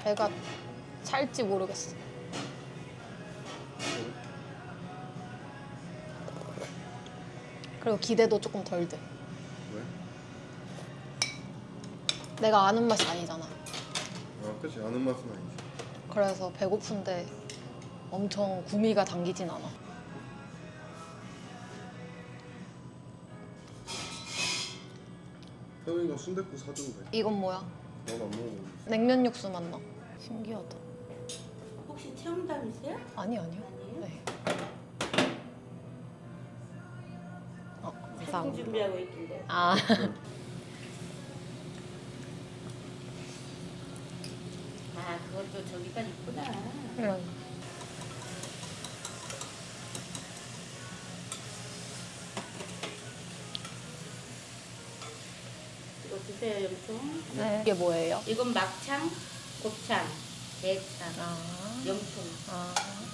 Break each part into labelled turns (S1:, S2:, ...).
S1: 배가 찰지 모르겠어. 그리고 기대도 조금 덜 돼.
S2: 왜?
S1: 내가 아는 맛이 아니잖아.
S2: 아, 그치. 아는 맛은 아니지.
S1: 그래서 배고픈데 엄청 구미가 당기진 않아.
S2: 태훈이가 순댓국 사준대.
S1: 이건 뭐야?
S2: 나도 안 먹어보고 있어.
S1: 냉면 육수 맛나. 신기하다.
S3: 혹시 체험담이세요?
S1: 아니요.
S3: 아니에요?
S1: 네.
S3: 상품
S1: 감사합니다.
S3: 준비하고 있길래.
S1: 아,
S3: 아, 그것도 저기까지 있구나.
S1: 이런.
S3: 이거 드세요, 염통.
S1: 네. 이게 뭐예요?
S3: 이건 막창, 곱창, 대창,
S1: 아,
S3: 염통.
S1: 아.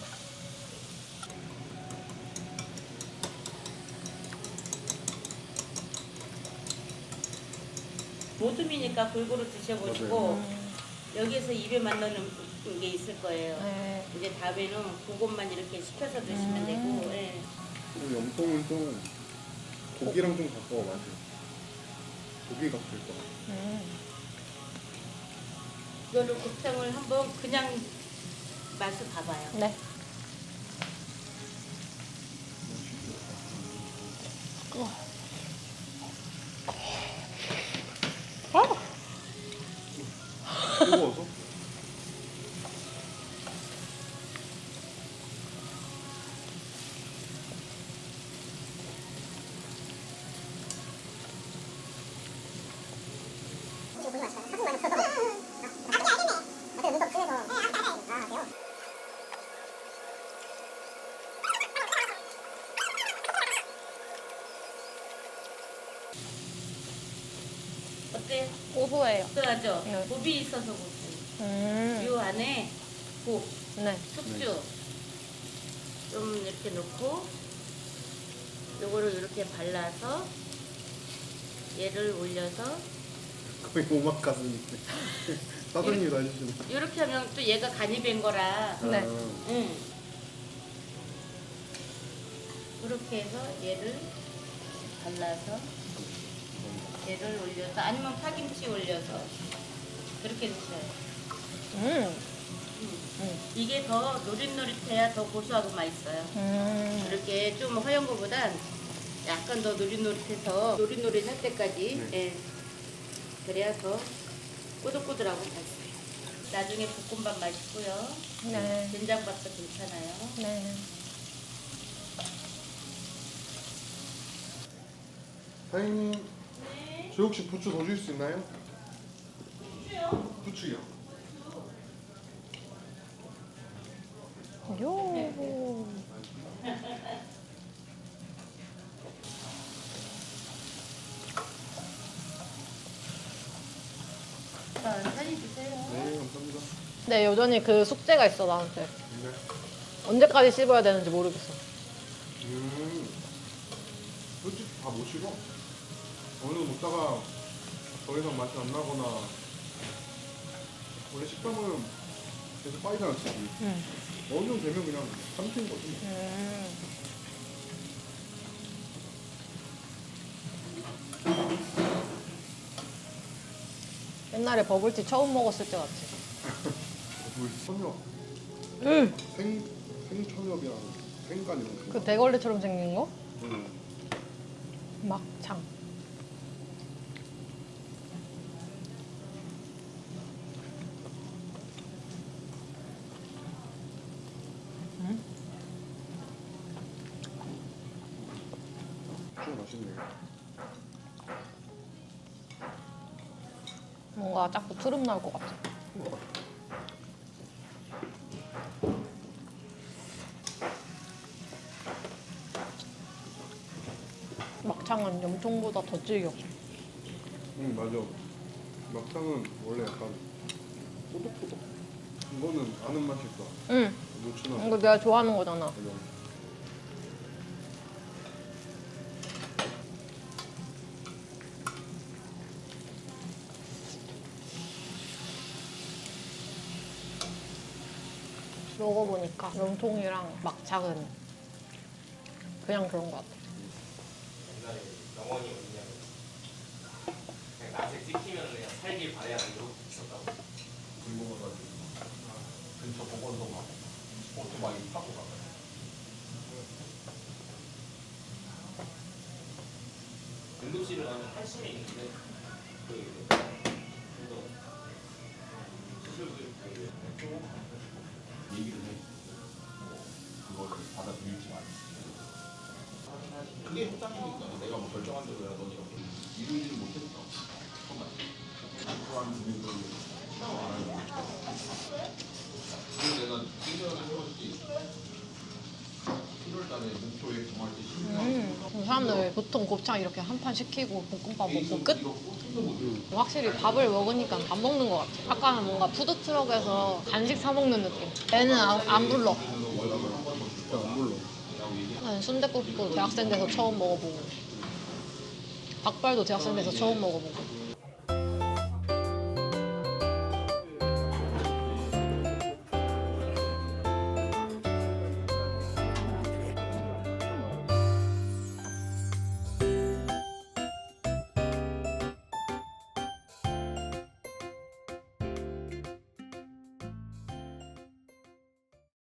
S3: 모둠이니까 골고루 드셔보시고
S1: 음,
S3: 여기에서 입에 맞는 게 있을 거예요.
S1: 네.
S3: 이제 다음에는 그것만 이렇게 시켜서 드시면 되고. 예.
S2: 그리고 염통은 좀 고기랑 좀 가까워 맛이. 고기 같을 거야.
S3: 이거를 곱창을 한번 그냥 맛을 봐봐요.
S1: 네.
S2: 뜨거워서?
S3: 어때요?
S1: 고소해요.
S3: 그하죠?
S1: 네.
S3: 곱이 있어서 고소. 이 안에 곱,
S1: 네.
S3: 숙주 좀 이렇게 넣고 요거를 이렇게 발라서 얘를 올려서
S2: 거의 오마카세인데. 사장님도 해주시네.
S3: 이렇게 하면 또 얘가 간이 된 거라.
S1: 네.
S3: 응. 그렇게 해서 얘를 발라서 얘를 올려서 아니면 파김치 올려서 그렇게 드셔요. 이게 더 노릇노릇해야 더 고소하고 맛있어요. 이렇게 좀 허연 거보단 약간 더 노릇노릇해서 노릇노릇할 때까지 예. 그래야 더 꼬들꼬들하고 맛있어요. 나중에 볶음밥 맛있고요.
S1: 네.
S3: 된장밥도 괜찮아요.
S1: 네.
S2: 사장님, 저 혹시 부추 더 줄 수 있나요? 부추요?
S1: 요.
S3: 천천히 드세요.
S2: 네, 감사합니다.
S1: 네, 여전히 그 숙제가 있어, 나한테.
S2: 네.
S1: 언제까지 씹어야 되는지 모르겠어.
S2: 솔직히 다 못 씹어. 어느 정도 먹다가 더 이상 맛이 안 나거나 원래 식감은 계속 빠지잖아, 지금. 어느 정도 되면 그냥 삼키는 거지. 뭐.
S1: 옛날에 버블티 처음 먹었을 때 같아.
S2: 물 천엽. 생천엽이랑 생간 이런 거.
S1: 그 대걸레처럼 생긴 거?
S2: 응.
S1: 막창.
S2: 좀 맛있네.
S1: 뭔가 자꾸 트름 나올 것 같아. 막창은 염통보다 더 질겨.
S2: 응, 맞아. 막창은 원래 약간 꼬독꼬독. 이거는 아는 맛이 있어.
S1: 응.
S2: 무추나.
S1: 이거 내가 좋아하는 거잖아.
S2: 맞아.
S1: 먹어보니까 염통이랑 막창은 그냥 그런 것 같아.
S4: 옛날에 영원히 어디냐면 그냥 낮에 찍히면 그냥 살길 바래야 이러고 있었다고.
S2: 굶어가지고 근처 보건소 가고 오토바이 타고 가고.
S4: 응급실을 가면 한심에 있는데 그 시술들
S2: 얘기를 해. 그거를 받아들일지 말지. 그게 협상이니까 내가 뭐 결정한 대로 해야 넌 이렇게 이루지를 못했어. 정말. 그러한 분들을 생각 안 하는 거야. 그래서 내가 1년을 해봤지. 1월 달에 목표에 정할 때 10년.
S1: 사람들 보통 곱창 이렇게 한 판 시키고 볶음밥 먹고 끝?
S2: 이거 꽂힌도 못해.
S1: 확실히 밥을 먹으니까 안 먹는 것 같아. 아까는 뭔가 푸드트럭에서 간식 사 먹는 느낌. 애는 안 불러.
S2: 안 불러.
S1: 나는 순댓국도 대학생 돼서 처음 먹어보고 닭발도 대학생 돼서 처음 먹어보고